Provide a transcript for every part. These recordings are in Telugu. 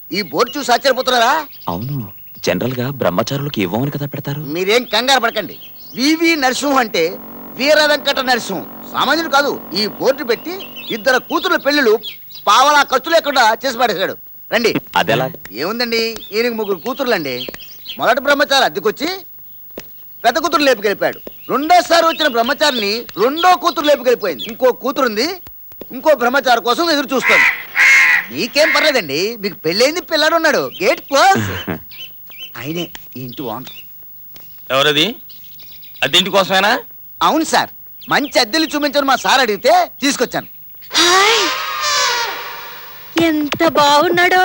ఈ బోర్డు చూసి ఆశ్చర్యపోతున్నారా? అవును, జనరల్ గా బ్రహ్మచారులకు ఇవ్వమని కదా పెడతారు. మీరేం కంగారు పడకండి. వివి నరసింహ అంటే వీర వెంకట నరసింహం, సామాన్యుడు కాదు. ఈ బోర్డు పెట్టి 2 కూతుర్ల పెళ్లిళ్ళు పావలా ఖర్చు లేకుండా చేసి పడేశాడు. రండి. అదెలా? ఏముందండి, ఈయనకి 3 కూతుర్లండి. మొదటి బ్రహ్మచారి అద్దెకొచ్చి పెద్ద కూతురు లేపుకెళ్ళిపోయాడు. రెండోసారి వచ్చిన బ్రహ్మచారిని 2వ కూతురు లేపుకెళ్ళిపోయింది. ఇంకో కూతురుంది, ఇంకో బ్రహ్మచారి కోసం ఎదురు చూస్తుంది. మీకేం పర్లేదండి, మీకు పెళ్ళైంది, పిల్లాడు ఉన్నాడు. Gate close. ఆయనే ఈ ఇంటి ఓనర్. ఎవరది? అద్దెంటి కోసమేనా? అవును సార్, మంచి అద్దెలు చూపించని మా సార్ అడిగితే తీసుకొచ్చాను. హాయ్, ఎంత బాగున్నాడో.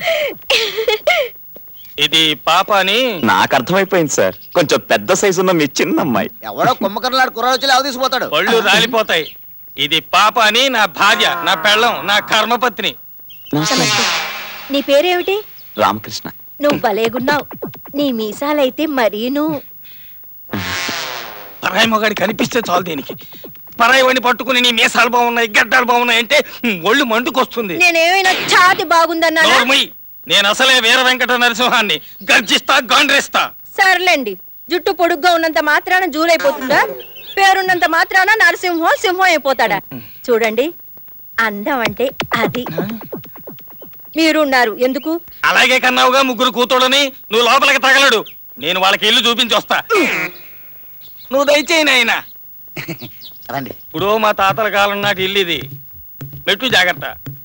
ఇది పాప అని నాకు అర్థమైపోయింది సార్, కొంచెం పెద్ద సైజు ఉన్న మీ చిన్న అమ్మాయి. ఎవడో కుమ్మకర్లాడు కుర్రాడు వచ్చి లేవ తీసుకుపోతాడు. పళ్ళు రాలిపోతాయి. ఇది పాప అని నా భార్య, నా పెళ్ళం, నా కర్మపత్ని. నీ పేరేమిటి? రామకృష్ణ. నువ్వు భలేగున్నావు. నీ మీసాలైతే మరీను. పరాయి మొగాడి కనిపిస్తే చాలు దీనికి. పరాయి వాడిని పట్టుకుని నీ మీసాలు బాగున్నాయి, గడ్డాలు బాగున్నాయి అంటే ఒళ్ళు మండుకొస్తుంది. నేనేమైనా ఛాతి బాగుందన్నా? నేను అసలే వీర వెంకట నరసింహాన్ని. గర్జిస్తా, గాండ్రేస్తా. సర్లేండి, జుట్టు పొడుగ్గా ఉన్నంత మాత్రాన జూలైపోతుందా? పేరున్నంత మాత్రాన నరసింహం సింహం అయిపోతాడా? చూడండి, అందం అంటే అది. మీరున్నారు ఎందుకు? అలాగే కన్నావుగా 3 కూతుళ్ళని. నువ్వు లోపలికి తగలడు, నేను వాళ్ళకి ఇల్లు చూపించి వస్తా. నువ్వు దయచేయి నాయనా. రండి. ఇప్పుడు మా తాతల కాలం నాటి ఇల్లు ఇది. మెట్టు జాగ్రత్త.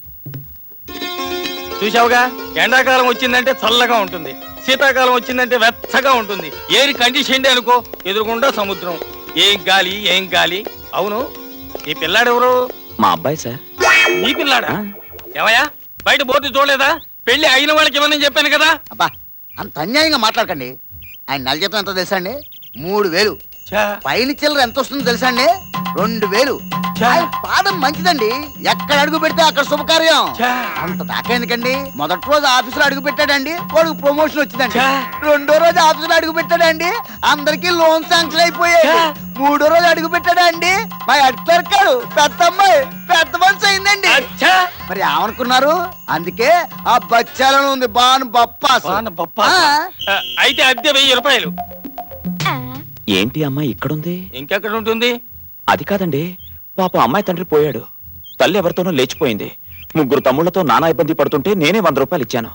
చూసావుగా, ఎండాకాలం వచ్చిందంటే చల్లగా ఉంటుంది, శీతాకాలం వచ్చిందంటే వెచ్చగా ఉంటుంది. ఏరి కండిషన్ అనుకో, ఎదురుకుండా సముద్రం. ఏం గాలి, ఏం గాలి. అవును, ఈ పిల్లాడెవరు? మా అబ్బాయి సార్. నీ పిల్లాడా? ఏమయ్యా, బయట బోర్డు చూడలేదా? పెళ్లి అయిన వాళ్ళకి ఇవ్వనని చెప్పాను కదా. అబ్బా, అంత అన్యాయంగా మాట్లాడకండి. ఆయన నెల జీతం ఎంత తెలుసా అండి? 3000. పైన చిల్లర ఎంత వస్తుందో తెలుసా అండి? 2000. ఆయన పాదం మంచిదండి, ఎక్కడ అడుగు పెడితే అక్కడ శుభకార్యం. అంత దాకా ఎందుకండి? మొదటి రోజు ఆఫీసులో అడుగు పెట్టాడండి, వాడికి ప్రమోషన్ వచ్చిందండి. 2వ రోజు ఆఫీసులో అడుగు పెట్టాడండి, అందరికి లోన్ శాంక్షన్ అయిపోయాయి. 3వ రోజు అడుగు పెట్టాడండి, మా హెడ్ క్లర్క్ గారు పెద్ద అమ్మాయి పెద్ద మనిషి అయిందండి. మరి ఏమనుకున్నారు? అందుకే ఆ బచ్చాలను ఉంది బాను బప్పాస్. అయితే అద్దె 1000 రూపాయలు. ఏంటి అమ్మాయి ఇక్కడుంది? ఇంకెక్కడ ఉంటుంది? అది కాదండి, పాప అమ్మాయి తండ్రి పోయాడు, తల్లి ఎవరితోనో లేచిపోయింది. 3 తమ్ముళ్లతో నానా ఇబ్బంది పడుతుంటే నేనే 100 రూపాయలు ఇచ్చాను.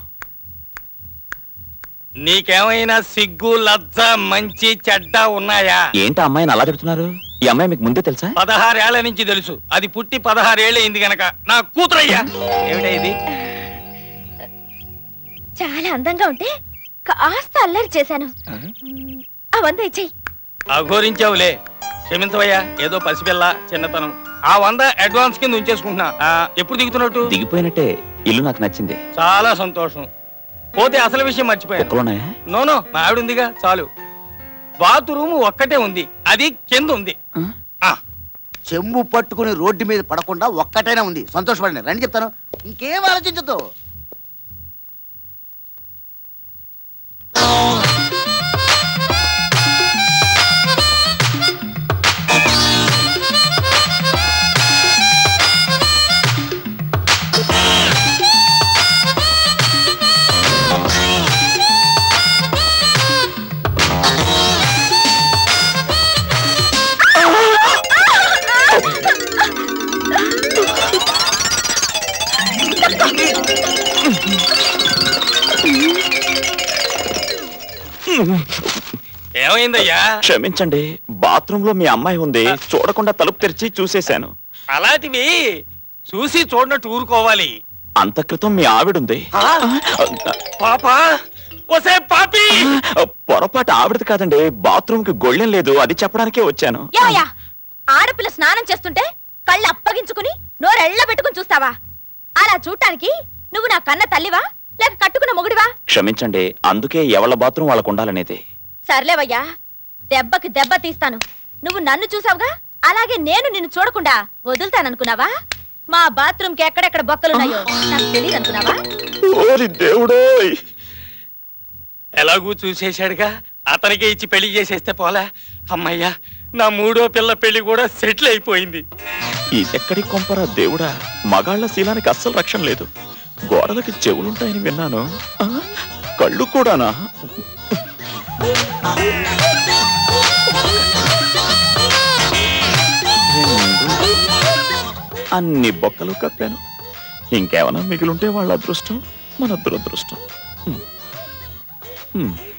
నీకేమైనా సిగ్గు, లజ్జ, మంచి, చెడ్డ ఉన్నాయా? ఏంటి అమ్మాయిని అలా తిడుతున్నారు? ఈ అమ్మాయి మీకు ముందే తెలుసా? 16 ఏళ్ల నుంచి తెలుసు. అది పుట్టి 16 ఏళ్ళు అయింది గనక నా కూతురయ్యా. ఏమిటా ఇది? చాలా అందంగా ఉంటే కాస్త అల్లరి చేశాను. అవంతా ఇచ్చేయి. అఘోరించావులే, క్షమించవయ్యా. ఏదో పసిపిల్ల, చిన్నతనం. ఆ 100 అడ్వాన్స్ కింద ఉంచేసుకుంటున్నా. ఎప్పుడు దిగుతున్నట్టు? దిగిపోయినట్టే. ఇల్లు నాకు నచ్చింది. చాలా సంతోషం. పోతే అసలు విషయం మర్చిపోయాను. నోనో, మా ఆవిడ ఉందిగా, చాలు. బాత్రూమ్ ఒక్కటే ఉంది, అది కింద ఉంది. చెంబు పట్టుకుని రోడ్డు మీద పడకుండా ఒక్కటైనా ఉంది. సంతోషపడండి. రండి చెప్తాను, ఇంకేం ఆలోచించదు. ఏమైందయ్యా? క్షమించండి, బాత్రూమ్ లో మీ అమ్మాయి ఉంది, చూడకుండా తలుపు తెరిచి చూసేశాను. అలాంటివి చూసి చూడనట్టు ఊరుకోవాలి. అంత క్రితం మీ ఆవిడుంది. పాపా, ఒసే పాపి! పొరపాటు ఆవిడది కాదండి, బాత్రూమ్ కి గొళ్ళెం లేదు, అది చెప్పడానికే వచ్చాను. ఆడపిల్ల స్నానం చేస్తుంటే కళ్ళు అప్పగించుకుని నోరెళ్ళ పెట్టుకుని చూస్తావా? అలా చూడటానికి నువ్వు నా కన్న తల్లివా లేక కట్టుకున్న మొగుడివా? క్షమించండి, అందుకే ఎవళ్ళ బాత్రూమ్ వాళ్ళకు ఉండాలనేది. సర్లేవయ్యా, దెబ్బకి దెబ్బ తీస్తాను. నువ్వు నన్ను చూసావుగా, అలాగే నేను నిన్ను చూడకుండా వదులుతాననుకున్నావా? మా బాత్రూమ్ కి ఎక్కడెక్కడ బొక్కలున్నాయో నాకు తెలియదు అనుకున్నావా? దేవుడోయ్, ఎలాగూ చూసేశాడుగా, అతనికే ఇచ్చి పెళ్లి చేసేస్తే పోలా. అమ్మయ్యా, నా 3వ పిల్ల పెళ్లి కూడా సెటిల్ అయిపోయింది. ఈ ఎక్కడి కొంపరా దేవుడా, మగాళ్ల శీలానికి అస్సలు రక్షణ లేదు. గోడలకి చెవులుంటాయని విన్నాను. ఆ, కళ్ళు కూడానా? అన్ని బొక్కలు కప్పాను. ఇంకేమైనా మిగిలుంటే వాళ్ళ అదృష్టం, మన దురదృష్టం.